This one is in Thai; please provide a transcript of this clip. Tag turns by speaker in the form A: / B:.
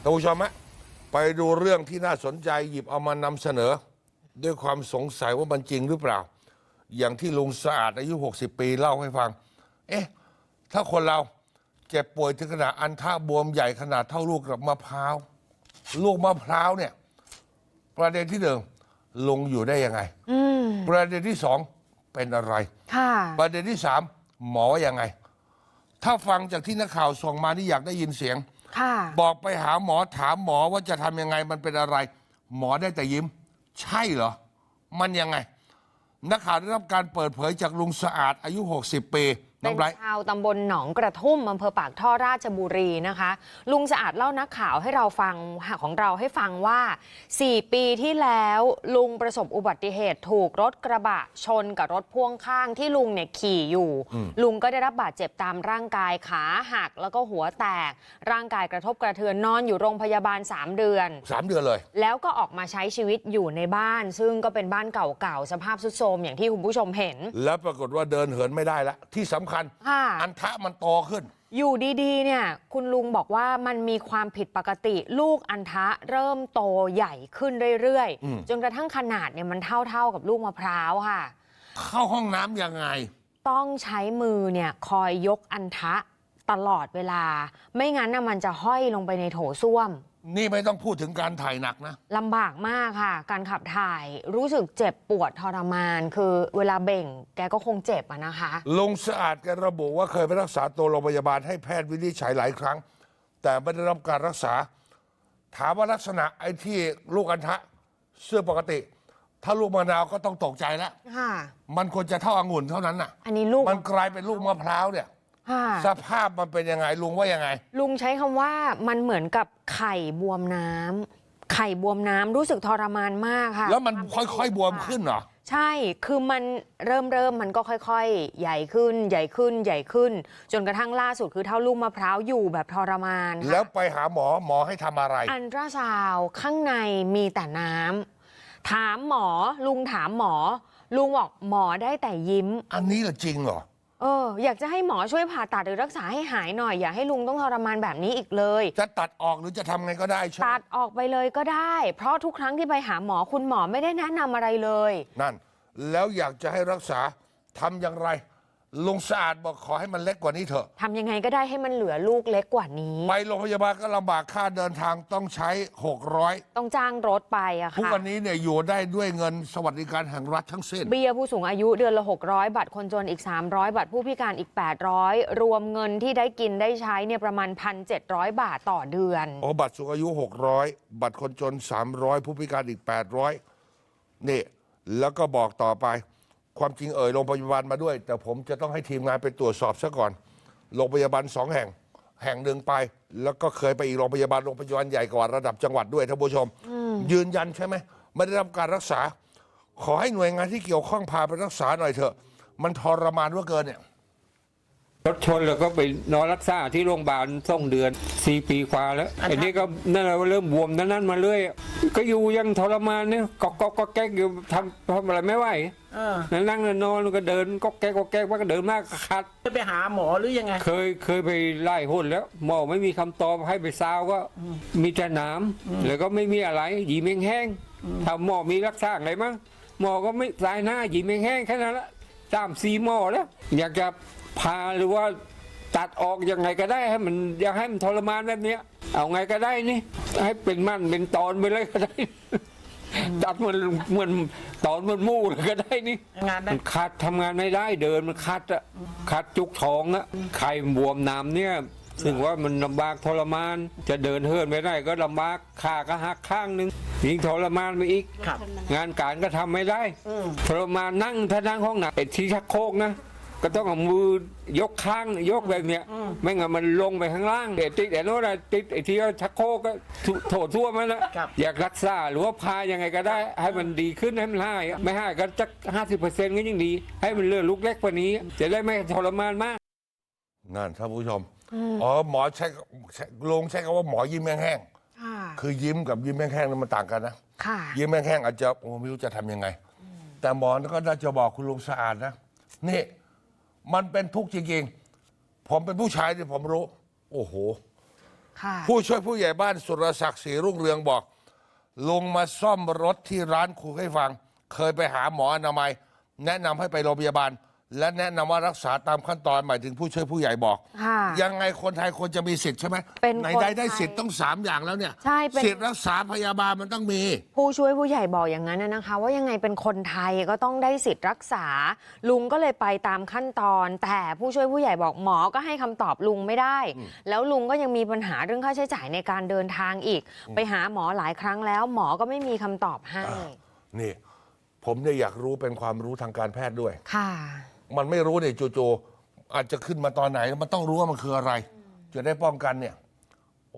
A: านผู้ชมฮะไปดูเรื่องที่น่าสนใจหยิบเอามานำเสนอ ด้วยความสงสัยว่ามันจริงหรือเปล่า อย่างที่ลุงสะอาดอายุ60 ปีเล่าให้ฟังถ้าคนเราเจ็บป่วยถึงขนาดอันท่าบวมใหญ่ขนาดเท่าลูกกับมะพร้าวลูกมะพร้าวเนี่ยประเด็นที่หนึ่งลุงอยู่ได้ยังไงประเด็นที่สองเป็นอะไรประเด็นที่สามหมอยังไงถ้าฟังจากที่นักข่าวส่งมานี่อยากได้ยินเสียงบอกไปหาหมอถามหมอว่าจะทำยังไงมันเป็นอะไรหมอได้แต่ยิ้มใช่เหรอมันยังไงนักข่าวได้รับการเปิดเผยจากลุงสะอาดอายุ60 ปี
B: เป็นชาวตำบลหนองกระทุ่มอำเภอปากท่อราชบุรีนะคะลุงสะอาดเล่านักข่าวให้เราฟังของเราให้ฟังว่า4 ปีที่แล้วลุงประสบอุบัติเหตุถูกรถกระบะชนกับรถพ่วงข้างที่ลุงเนี่ยขี่อยู่ลุงก็ได้รับบาดเจ็บตามร่างกายขาหักแล้วก็หัวแตกร่างกายกระทบกระเทือนนอนอยู่โรงพยาบาล3 เดือน
A: เลย
B: แล้วก็ออกมาใช้ชีวิตอยู่ในบ้านซึ่งก็เป็นบ้านเก่าๆสภาพทรุดโทรมอย่างที่คุณผู้ชมเห็น
A: แล้วปรากฏว่าเดินเหินไม่ได้ละที่สำคัญอันทะมันโตขึ้น
B: อยู่ดีๆเนี่ยคุณลุงบอกว่ามันมีความผิดปกติลูกอันทะเริ่มโตใหญ่ขึ้นเรื่อยๆจนกระทั่งขนาดเนี่ยมันเท่ากับลูกมะพร้าวค่ะ
A: เข้าห้องน้ำยังไง
B: ต้องใช้มือเนี่ยคอยยกอันทะตลอดเวลาไม่งั้นมันจะห้อยลงไปในโถส้วม
A: นี่ไม่ต้องพูดถึงการถ่ายหนักนะ
B: ลำบากมากค่ะการขับถ่ายรู้สึกเจ็บปวดทรมานคือเวลาเบ่งแกก็คงเจ็บนะคะ
A: ลุงสะอาดแกระบุว่าเคยไปรักษาตัวโรงพยาบาลให้แพทย์วินิจฉัยหลายครั้งแต่ไม่ได้รับการรักษาถามว่าลักษณะไอ้ที่ลูกอัณฑะเสื้อปกติถ้าลูกมะนาวก็ต้องตกใจแล้วมันควรจะเท่าองุ่นเท่านั้นน่ะ
B: อันนี้ลูก
A: มันกลายเป็นลูกมะพร้าวเนี่ยสภาพมันเป็นยังไงลุงว่ายังไง
B: ลุงใช้คำว่ามันเหมือนกับไข่บวมน้ำไข่บวมน้ำรู้สึกทรมานมากค่ะ
A: แล้วมันค่อยๆบวมขึ้นเหรอ
B: ใช่คือมันเริ่มมันก็ค่อยๆใหญ่ขึ้นใหญ่ขึ้นใหญ่ขึ้นจนกระทั่งล่าสุดคือเท่าลูกมะพร้าวอยู่แบบทรมาน
A: แล้วไปหาหมอให้ทำอะไร
B: อัลตราซาวด์ข้างในมีแต่น้ำถามหมอลุงถามหมอลุงบอกหมอได้แต่ยิ้ม
A: อันนี้จริงเหรอ
B: อยากจะให้หมอช่วยผ่าตัดหรือรักษาให้หายหน่อยอย่าให้ลุงต้องทรมานแบบนี้อีกเลย
A: จะตัดออกหรือจะทำไงก็ได้ใช่ไหม
B: ตัดออกไปเลยก็ได้เพราะทุกครั้งที่ไปหาหมอคุณหมอไม่ได้แนะนำอะไรเลย
A: นั่นแล้วอยากจะให้รักษาทำอย่างไรลุงสะอาดบอกขอให้มันเล็กกว่านี้เถอะ
B: ทำยังไงก็ได้ให้มันเหลือลูกเล็กกว่านี้
A: ไปโรงพยาบาลก็ลำบากค่าเดินทางต้องใช้600
B: ต้องจ้างรถไปอะค่ะ
A: ทุกวันนี้เนี่ยอยู่ได้ด้วยเงินสวัสดิการแห่งรัฐทั้งสิ้น
B: เบี้ยผู้สูงอายุเดือนละ600บัตรคนจนอีก300บัตรผู้พิการอีก800รวมเงินที่ได้กินได้ใช้เนี่ยประมาณ 1,700 บาทต่อเดือน
A: บัตรสูงอายุ600บัตรคนจน300ผู้พิการอีก800นี่แล้วก็บอกต่อไปความจริงโรงพยาบาลมาด้วยแต่ผมจะต้องให้ทีมงานไปตรวจสอบซะก่อนโรงพยาบาล2 แห่งหนึ่งไปแล้วก็เคยไปอีกโรงพยาบาลใหญ่กว่าระดับจังหวัดด้วยท่านผู้ชมยืนยันใช่ไหมไม่ได้รับการรักษาขอให้หน่วยงานที่เกี่ยวข้องพาไปรักษาหน่อยเถอะมันทรมานเหลือเกินเนี่ย
C: รถชนแล้วก็ไปนอนรักษาที่โรงพยาบาล2 เดือน4 ปีกว่าแล้วอันนี้ก็นั่นแหละเริ่มบวมนั้นมาเรื่อยก็อยู่ยังทรมานเนี่ยก็แก๊กอยู่ทำอะไรไม่ไหวนั่งนอนก็เดินก็แก๊กว่าก็เดินมากคัด
D: ไปหาหมอหรือยังไง
C: เคยไปไล่หุ่นแล้วหมอไม่มีคำตอบให้ไปซาวก็มีแต่น้ำแล้วก็ไม่มีอะไรหยีเมงแห้งถ้าหมอมีรักษาอะไรมั้งหมอก็ไม่สายหน้าหยีเมงแห้งแค่นั้นละ3-4 หมอแล้วอยากจะพาหรือว่าตัดออกยังไงก็ได้ให้มันอยากให้มันทรมานแบบนี้เอาไงก็ได้นี่ให้เป็นมันเป็นตอนไปเลยก็ได้ตัดเหมือนตอนมันมู่เลยก็ได้นี่มันคัดทำงานไม่ได้เดินมันคัดจุกท้องอะไข่บวมน้ำเนี่ยซึ่งว่ามันลำบากทรมานจะเดินเหินไม่ได้ก็ลำบากขาก็หักข้างนึงยิ่งทรมานไปอีกงานการก็ทำไม่ได้ทรมานนั่งถ้านั่งห้องหนักไอ้ที่ชักโครกนะก็ต้องเอามือยกข้างยกแบบเนี้ยไม่งั้นมันลงไปข้างล่างติดโน้นติดไอ้ที่ชักโครกก็โถทั่วมันละอยากรักษาหรือว่าพายังไงก็ได้ให้มันดีขึ้นให้มันหายไม่หายก็จะ50%ก็ยิ่งดีให้มันเลือดลุกเล็กกว่านี้จะได้ไม่ทรมานมาก
A: นั่นท่านผู้ชมหมอลงใช้คำว่าหมอยิ้มแห้งคือยิ้มกับยิ้มแห้งมันต่างกันนะยิ้มแห้งอาจจะไม่รู้จะทำยังไงแต่หมอก็น่าจะบอกคุณลุงสะอาดนะนี่มันเป็นทุกข์จริงๆผมเป็นผู้ชายที่ผมรู้โอ้โห
B: ค่ะ
A: ผู้ช่วยผู้ใหญ่บ้านสุรศักดิ์ศรีรุ่งเรืองบอกลุงมาซ่อมรถที่ร้านครูให้ฟัง เคยไปหาหมออนามัย แนะนำให้ไปโรงพยาบาล และแนะนำว่ารักษาตามขั้นตอนหมายถึงผู้ช่วยผู้ใหญ่บอก
B: ค่ะ
A: ยังไงคนไทยควรจะมีสิทธิ์ใช่ไหม
B: เป็น
A: ไหน
B: คน
A: ได้
B: ไทย
A: สิทธิ์ต้อง3อย่างแล้วเนี่ย
B: ใช่เป็น
A: สิทธิ์รักษาพยาบาลมันต้องมี
B: ผู้ช่วยผู้ใหญ่บอกอย่างนั้นนะคะ ว่ายังไงเป็นคนไทยก็ต้องได้สิทธิ์รักษา ลุงก็เลยไปตามขั้นตอน แต่ผู้ช่วยผู้ใหญ่บอกหมอก็ให้คำตอบลุงไม่ได้ แล้วลุงก็ยังมีปัญหาเรื่องค่าใช้จ่ายในการเดินทางอีก ไปหาหมอหลายครั้งแล้ว หมอก็ไม่มีคำตอบให้
A: นี่ ผมเนี่ยอยากรู้เป็นความรู้ทางการแพทย์ด้วย
B: ค่ะ
A: มันไม่รู้เนี่ยจู่ๆอาจจะขึ้นมาตอนไหน มันต้องรู้ว่ามันคืออะไร จะได้ป้องกันเนี่ย